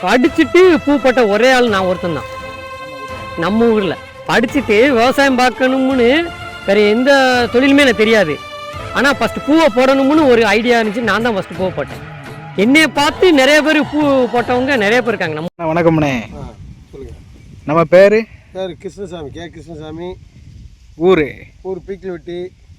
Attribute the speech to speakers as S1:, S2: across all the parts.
S1: படிச்சுட்டு பூ போட்ட ஒரே ஆள் நான் ஒருத்தன் தான் நம்ம ஊரில். படிச்சுட்டு விவசாயம் பார்க்கணும்னு வேறு எந்த தொழிலுமே எனக்கு தெரியாது. ஆனால் ஃபஸ்ட்டு பூவை போடணும்னு ஒரு ஐடியா இருந்துச்சு. நான் தான் ஃபஸ்ட்டு பூவை போட்டேன். என்னையை பார்த்து நிறைய பேர் பூ போட்டவங்க நிறைய பேர் இருக்காங்க. நம்ம
S2: வணக்கம்ண்ணே.
S3: சொல்லுங்கள்.
S2: நம்ம பேர்
S3: கிருஷ்ணசாமி, கே கிருஷ்ணசாமி.
S2: ஊர்
S3: பீக்கில்வெட்டி.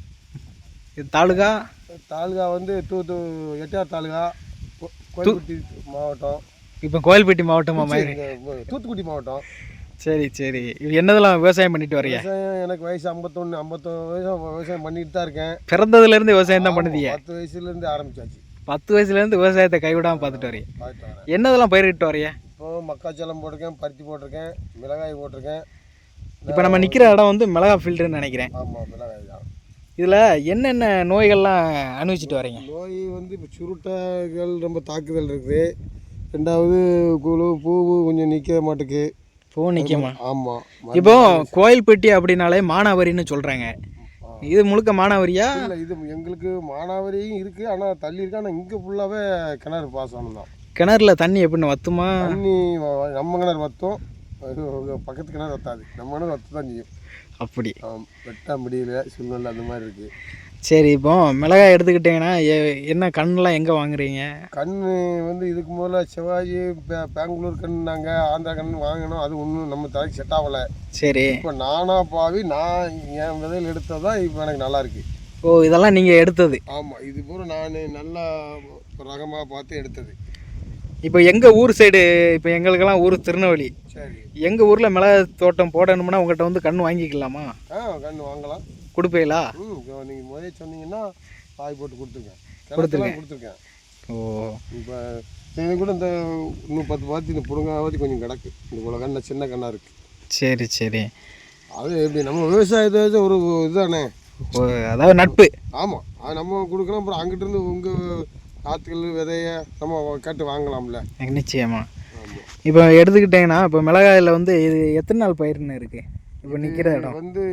S2: இது தாலுகா
S3: வந்து எட்டார் தாலுகா, கோயில்பட்டி மாவட்டம்.
S2: இப்போ கோயில்பட்டி மாவட்டமா மாதிரி?
S3: தூத்துக்குடி மாவட்டம்.
S2: சரி சரி. இது என்னதெல்லாம் விவசாயம் பண்ணிட்டு வரீங்க?
S3: விவசாயம் எனக்கு வயசு 51 வயசு விவசாயம் பண்ணிட்டு தான் இருக்கேன்.
S2: பிறந்ததுலேருந்து விவசாயம் தான் பண்ணுதீங்க?
S3: 10 வயசுலேருந்து ஆரம்பிச்சாச்சு.
S2: 10 வயசுலேருந்து விவசாயத்தை கைவிடாமல் பார்த்துட்டு வரீங்க. என்னதெல்லாம் பயிரிட்டு வரீங்க?
S3: இப்போ மக்காச்சோளம் போட்டிருக்கேன், பருத்தி போட்டிருக்கேன், மிளகாய் போட்டிருக்கேன்.
S2: இப்போ நம்ம நிற்கிற இடம் வந்து மிளகா ஃபில்டர்னு நினைக்கிறேன்.
S3: ஆமாம், மிளகாய் தான்.
S2: இதில் என்னென்ன நோய்கள்லாம் அனுபவிச்சுட்டு வரீங்க?
S3: நோய் வந்து இப்போ சுருட்டைகள் ரொம்ப தாக்குதல் இருக்குது. ரெண்டாவது குழு பூ கொஞ்சம் நிற்க மாட்டுக்கு.
S2: பூ நிற்கமா?
S3: ஆமாம்.
S2: இப்போ கோயில்பட்டி அப்படின்னாலே மானாவரின்னு சொல்கிறாங்க. இது முழுக்க மானாவரியா?
S3: இல்லை, இது எங்களுக்கு மானாவரியும் இருக்குது. ஆனால் தள்ளி இருக்கு. ஆனால் இங்கே ஃபுல்லாகவே கிணறு பாசனம் தான்.
S2: கிணறுல தண்ணி எப்படின்னு வத்துமா?
S3: தண்ணி நம்ம கிணறு வற்றும், பக்கத்து கிணறு வத்தாது. நம்ம கிணறு வத்து தான் செய்யும்.
S2: அப்படி
S3: வெட்ட முடியல சூழ்நிலை அந்த மாதிரி இருக்குது.
S2: சரி. இப்போ மிளகாய் எடுத்துக்கிட்டிங்கன்னா என்ன கண்ணெலாம் எங்கே வாங்குறீங்க?
S3: கண் வந்து இதுக்கு முதல்ல சிவாஜி பெங்களூர் கண்ணுனாங்க, ஆந்திரா கண்ணு வாங்கினோம். அது ஒன்றும் நம்ம தலைக்கு செட் ஆகலை. சரி. இப்போ நானா பாவி நான் என் விதையில் எடுத்தது தான் இப்போ எனக்கு நல்லா இருக்குது.
S2: ஓ, இதெல்லாம் நீங்கள் எடுத்தது?
S3: ஆமாம், இது பூரா நான் நல்லா ரகமாக பார்த்து எடுத்தது.
S2: இப்போ எங்கள் ஊர் சைடு, இப்போ எங்களுக்கெல்லாம் ஊர் திருநெல்வேலி. சரி. எங்கள் ஊரில் மிளகாய் தோட்டம் போடணும்னா உங்கள்கிட்ட வந்து கன்று வாங்கிக்கலாமா?
S3: கன்று வாங்கலாம்.
S2: கொடுப்பீங்களா?
S3: நீங்கள் முதலே சொன்னீங்கன்னா காய் போட்டு கொடுத்துருக்கேன். ஓ, இப்போ இது கூட இந்த இன்னும் 10 பாத்தி இந்த புடுங்காவாதி கொஞ்சம் கிடக்கு. இந்த இவ்வளோ கண்ணை சின்ன கண்ணாக இருக்குது. சரி சரி. அது எப்படி நம்ம விவசாயத்தை ஒரு இதுதானே,
S2: அதாவது நட்பு.
S3: ஆமாம், அது நம்ம கொடுக்கலாம். அப்புறம் அங்கிட்டிருந்து உங்கள் ஆற்றுகள் விதைய நம்ம கேட்டு வாங்கலாம்ல.
S2: நிச்சயமா. இப்போ எடுத்துக்கிட்டிங்கன்னா இப்போ மிளகாயில் வந்து இது எத்தனை நாள் பயிர்னு இருக்குது? இப்போ நிற்கிற இடம்
S3: வந்து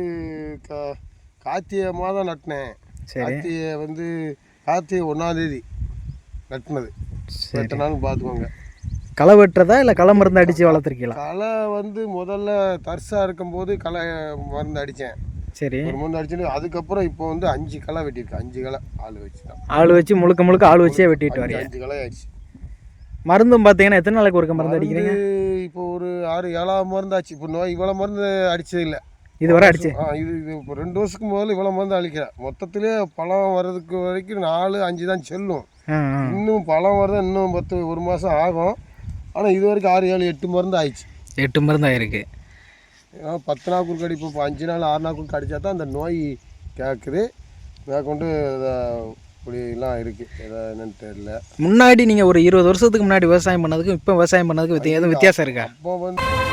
S3: கார்த்திகை மாதம் நட்டினேன். கார்த்திகை வந்து கார்த்திகை 1ஆம் தேதி நட்டினது. எத்தனை நாள் பார்த்துக்கோங்க.
S2: களை வெட்டுறதா இல்லை களை மருந்து அடித்து வளர்த்துருக்கீங்களா?
S3: களை வந்து முதல்ல தர்சாக இருக்கும்போது களை மருந்து அடித்தேன். சரி. ஒரு மருந்து அடிச்சுட்டு அதுக்கப்புறம் இப்போ வந்து 5 களை வெட்டியிருக்கேன். 5 களை ஆள் வச்சு தான்.
S2: ஆள் வச்சு முழுக்க ஆள் வச்சே வெட்டிட்டு வரீங்க?
S3: 5 களை ஆயிடுச்சு.
S2: மருந்தும் பார்த்தீங்கன்னா எத்தனை நாளைக்கு ஒருக்க மருந்து அடிக்கிறீங்க?
S3: இப்போ ஒரு 6-7 மருந்து ஆச்சு. இப்போ நோய் இவ்வளோ மருந்து அடித்தது இல்லை
S2: இதுவரை அடிச்சு.
S3: இது இப்போ 2 வருஷத்துக்கு முதல்ல இவ்வளோ மருந்து அழிக்கிறேன். மொத்தத்திலே பழம் வர்றதுக்கு வரைக்கும் 4-5 தான் செல்லும். இன்னும் பழம் வர்றது இன்னும் 1 மாதம் ஆகும். ஆனால் இது வரைக்கும் 6-7-8 மருந்து ஆயிடுச்சு. 8 மருந்து ஆயிருக்கு. 10 நாள் குறுக்கு அடிப்போம். இப்போ 5 நாள் 6 நாள் குறுக்கு அடித்தா தான் அந்த நோய் கேட்குது. மேற்கொண்டு இப்படிலாம் இருக்குது. என்னன்னு தெரியல.
S2: முன்னாடி நீங்கள் ஒரு 20 வருஷத்துக்கு முன்னாடி விவசாயம் பண்ணதுக்கும் இப்போ விவசாயம் பண்ணதுக்கும் எதுவும் வித்தியாசம் இருக்கா?
S3: அப்போ வந்து